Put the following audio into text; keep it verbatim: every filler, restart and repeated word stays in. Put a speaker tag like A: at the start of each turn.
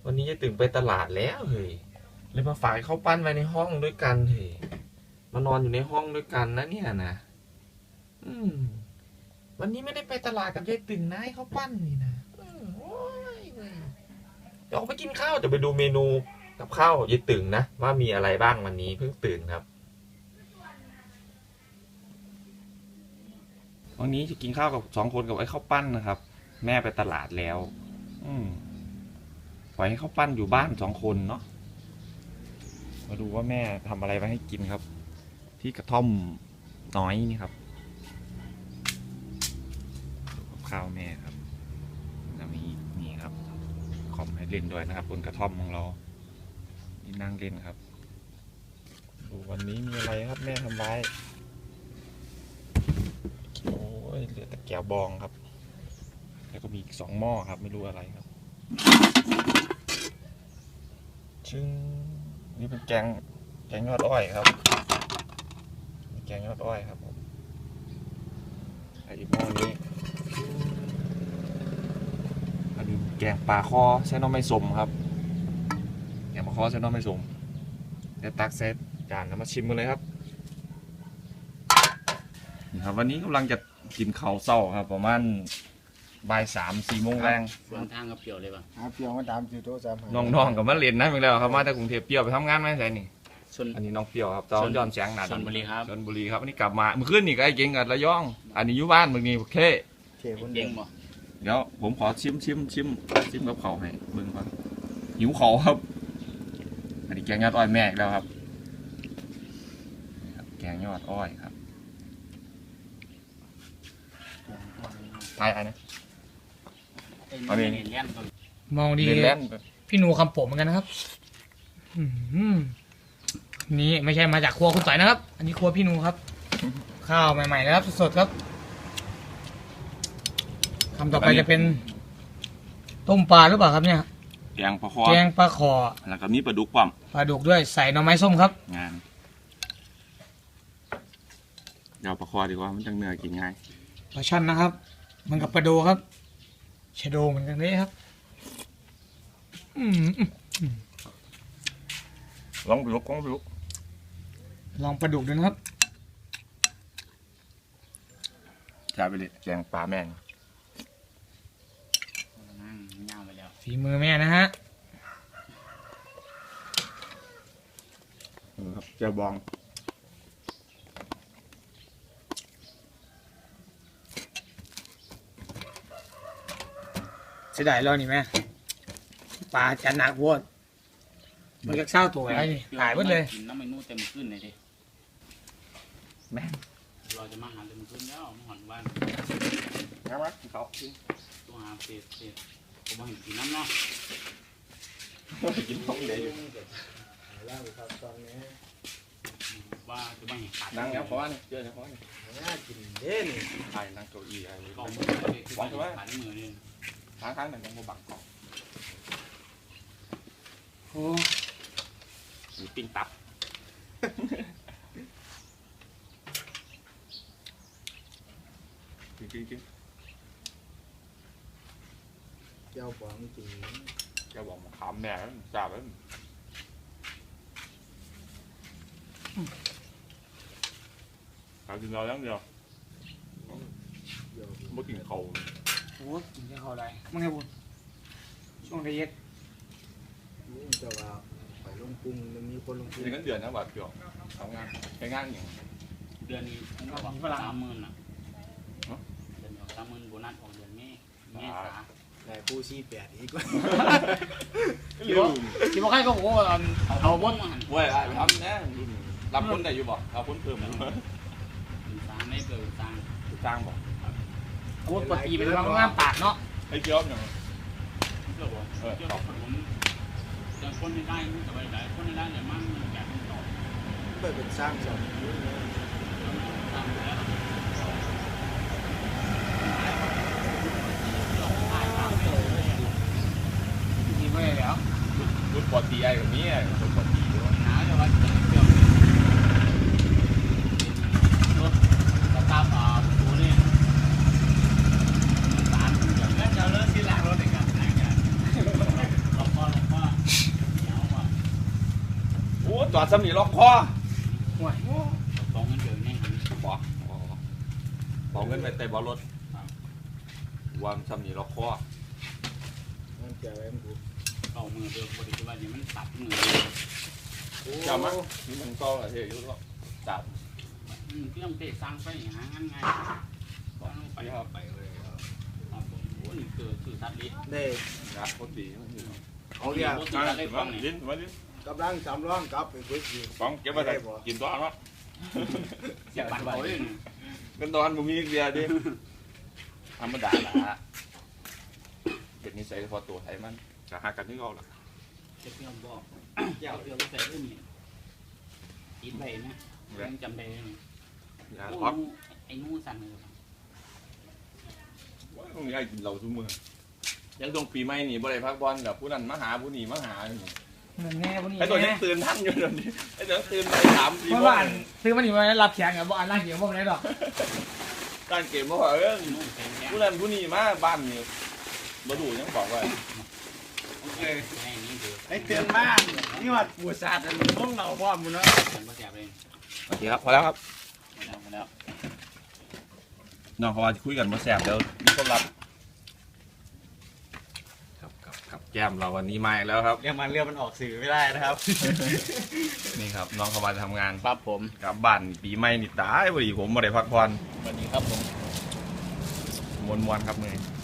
A: วันนี้จะตื่นไปตลาดแล้วเฮ้ยเลยมาฝากเขาปั้นไว้ในห้องด้วยกันเฮ้ยมานอนอยู่ในห้องด้วยกันนะเนี่ยนะอืมวันนี้ไม่ได้ไปตลาดกับยายตึงนะให้เขาปั้นนี่นะโอ้ยเว้ยเดี๋ยวออกไปกินข้าวจะไปดูเมนูกับข้าวยายตึงนะว่ามีอะไรบ้างวันนี้เพิ่งตื่นครับวันนี้จะกินข้าวกับสองคนกับไอ้ข้าวปั้นนะครับ แม่ไปตลาดแล้ว อืมปล่อยให้เขาปั้นอยู่บ้านสองคนเนาะมาดูว่าแม่ทำอะไรไว้ให้กินครับ ที่กระท่อมน้อยนี่ครับดูกับข้าวแม่ครับแล้วมีนี่ครับคอมให้เล่นด้วยนะครับบนกระท่อมของเรานี่นั่งเล่นครับดูวันนี้มีอะไรครับแม่ทำไว้โอ้ยเหลือแต่แก้วบองครับแล้วก็มีอีกสองหม้อครับไม่รู้อะไรครับชึ่งนี่เป็นแกงแกงยอดอ้อยครับแกงยอดอ้อยครับผมไอ้หม้อนี้อันนี้แกงปลาคอใช้น้ำไม่สมครับแกงปลาคอใช้น้ำไม่สมเดี๋ยวตักเซตจานแล้วมาชิมกันเลยครับนี่ครับวันนี้กำลังจะกินข้าวเช้าครับประมาณบ่ายสามสี่โมงแรง
B: สวนทางกับเปรียวเลยป่ะ
C: หาเพียงมาตามสี่โต๊ะสามหา
A: น้องๆกับมาเรียนนะอีกแล้วครับมาจากกรุงเทพเปรี้ยวไปทำงานไหมใช่นี่
B: ชน
A: อันนี้น้องเปรี้ยวครับตอนย้อนแสงหนา
B: ชลบุรีครับ
A: ชลบุรีครับอันนี้กลับมาเมื่อคืนนี่ก็ไอ้เก่งกับระยอง อันนี้อยู่บ้านเมื่อนี้โอเค
C: เท่คนเดี
B: เก่
C: ย
B: ง
C: ว
B: บ่
A: เดี๋ยวผมขอชิมชิมชิมชิมกับเขาให้เบิ่งก่อนหิวเขาครับ อันนี้แกงยอดอ้อยแม่อีกแล้วครับนี่ครับแกงยอดอ้อยครับไอ้ไอ้นะ
B: อันนี้เลี้ยนตัว
D: มองดี
A: เล่นเล่น
D: พี่หนูคำผมเหมือนกันนะครับอืมนี่ไม่ใช่มาจากครัวคุณต่อยนะครับ อันนี้ครัวพี่หนูครับ ข้าวใหม่ๆนะครับสดๆครับคำต่อไปจะเป็น ต้มปลาหรือเปล่าครับเนี่ย
A: แกงปลาคอ
D: แกงปลาขอ
A: แล้วก็มีปลาดุกปั๊ม
D: ปลาดุกด้วยใส่หน่อไม้ส้มครับ
A: งานเดี๋ยวปลาคอดีกว่ามันจังเนื้อกินง่าย
D: ปลาช่อนนะครับ มันกับปลาโดครับชะโดเหมือนกันเลยครับ อืมอืม
A: ลองปลาดุกลองปลาดุก
D: ลองปลาดุกดูนะครับ
A: ใช่ไปเลยแกงปลาแม่ง
B: นั่งเงาไปแล้ว
D: ฝีมือแม่นะฮะ
A: ครับเจียวบอง
D: เสียดายแล้วนี่แม่ปลาจะหนักโวดมันก็เศร้าตัวไอ้นี่หายหมดเลย
B: กินน้ำมันนู่เต็มขึ้นเลยดิ
A: แม่ง
B: เราจะมาหาเต็มขึ้นแล้วมาหอนวัน
A: งั้นวะเขา
B: ตัวหาเศษเศษผมมาเห็นกินน้ำเนาะ
A: กินท้องเลยอยู่
C: ล่างครับตอนนี้
B: ว่าจะมาเห็นขาด
A: นั่งแล้วพอนี่เจอแล้วพอนี่
C: น่ากินเด่น
A: ใช่นั่งเก้าอี้อะไร
B: กล่องมือเลยคือว่าขาดมือเลย
A: ค้างค้างหนึ่งต้องมาบังกล่อง
D: โอ้
A: มีปิ้งตับจริงจริงจริง
C: เจ้าบองจริง
A: แกบอกมาขามแม่แล้วจ่าแล้วขามกินเราแล้วเดียว
C: เดี๋ยว
A: ไม่กินเขา
D: โหกินได้เขาได้มึงไงบุญช่วงไดเย็ด
C: ลุงจะว่าไปลงพุงมันมีคนลงพุง
A: นี่กันเดือนนะแบบเกี่ยวทำงานใช้งานอย่าง
B: เดือนนี้ผมก็บอกสามหมื่นอ่ะเดือนสามหมื่นโบนัสของเดือนนี้เมษา
C: แต่ผู้ชี้แปดอีกว่า
D: คิดว่าคิดว่าใครก็บอกว่าเอา
B: เอาบ้นมาหัน
A: เว้ยไปทำนะรับคนได้อยู่บ่เอาคนเพิ่มมั้ง
B: สร้างไม่เกิดสร้าง
A: จ้างบ่
D: โคตรปกติเป็นบางงามปากเนาะ
A: ไอ้เกี่ยวอย่าง
B: เพื่อบอกเพื่อบอกผมจะคนไม่ได้ไม่สบายใจคนไม่ได้เนี่ยมั่งแก่ต่อ
C: เปิดเป็นสร้างสอง
B: ตามแล้ว
D: ดีไม่ได้แล้ว
A: รุ่นปอตีไอ้แบบนี้รุ่นปอตีด้วย
B: หนาจะว่าเกี่ยวรถสตาร์ทอ่าตัวนี้สารอย่างนั้นจะเลิกที่หลังรถเองกันนะอย่างเราพ่อเราพ่อ
A: อดซ้ำนี่ล็อกคอ
D: ห่วย
B: สองเงินเดือนนี่
A: บอกบอกเงินไปเตะบอลรถวางซ้ำนี่ล็อกคอ
C: มันจะอะไรมันกู
B: เอามือเดิมบริสุทธิ์ว่าเนี่ยมันตัดมือ
A: จำมั้ยนี่มันก็เฮ้ยยุ่งแล้วจับ
B: อืมเครื่องเตะสร้างไปหางั้นไงต้องไปครับไปเลยครับผมโอ้นี่คือคือตัดลิ้น
C: ได้
A: นะโคตรดี
C: เอาเรียก
B: ตัดลิ้นฟังนี่
A: ลิ้นมาลิ้น
C: กำลังสำรองกลับไปคุยอยู่
A: ฟังเก็บมาได้กินตัวเนาะ
B: เสียบบัตรเขาเลย
A: เงินตอนผมมีเดียดิธรรมดาละเป็นนิสัยพอตัวไทยมันจะหากันที่เขาละ
B: เจ็บเพียงบอกเจ้าเพียงใส่เรื่องนี้อินไปนะยังจำได้เลย
A: อย่า
B: โอ้
A: ล็อก
B: ไอ้นู่สั่นเลย
A: ว่าต้องย้ายกินเราทุกมื้อยังตรงปีใหม่นี่บ่ได้พักบอลกับผู้นั้นมาหาผู้นี้มาหา
D: นั่นแน่พวกนี้
A: ไอ้ตัวนี้
D: แน่
A: ตื่นท่านอยู่เดี๋ยวนี้ไอ้ตัวตื่นไปสามสี่
D: เพราะ
A: โม
D: ว่าง ซื้อมาหนีมารับแขกกับบ่อ่านร่างเขียวพวกนี้หรอก
A: การเกมเพราะว่าเออ
B: นู่นเป็นแค่
A: ผู้นั้นผู้นี้มาบ้านนี่บ่ดูยังบอกว่า
B: โอเคไอ้นี่เดือด
C: ไอ้เตือนบ้านนี่ว่าปวดศาสตร์มันต้องเราพ่อมึงเนาะ
B: ฉันก็เสียบเลย
A: โอเคครับพอแล้วครับ
B: มาแล้วมาแล้ว
A: น้องเขาว่าจะคุยกันมาแสบแล้วมีความลับครับครับครับแก้มเราวันนี้มาอีกแล้วครับ
C: เรื่องมันเรื่องมันออกสื่อไม่ได้นะครับ
A: นี่ครับน้องเขามาทำงาน
B: ครับผม
A: กลับบ้านปีใหม่นี่ตายพอดีผมมาได้พักผ่อน
B: สวัสดีครับผม
A: มวนๆครับมือนี้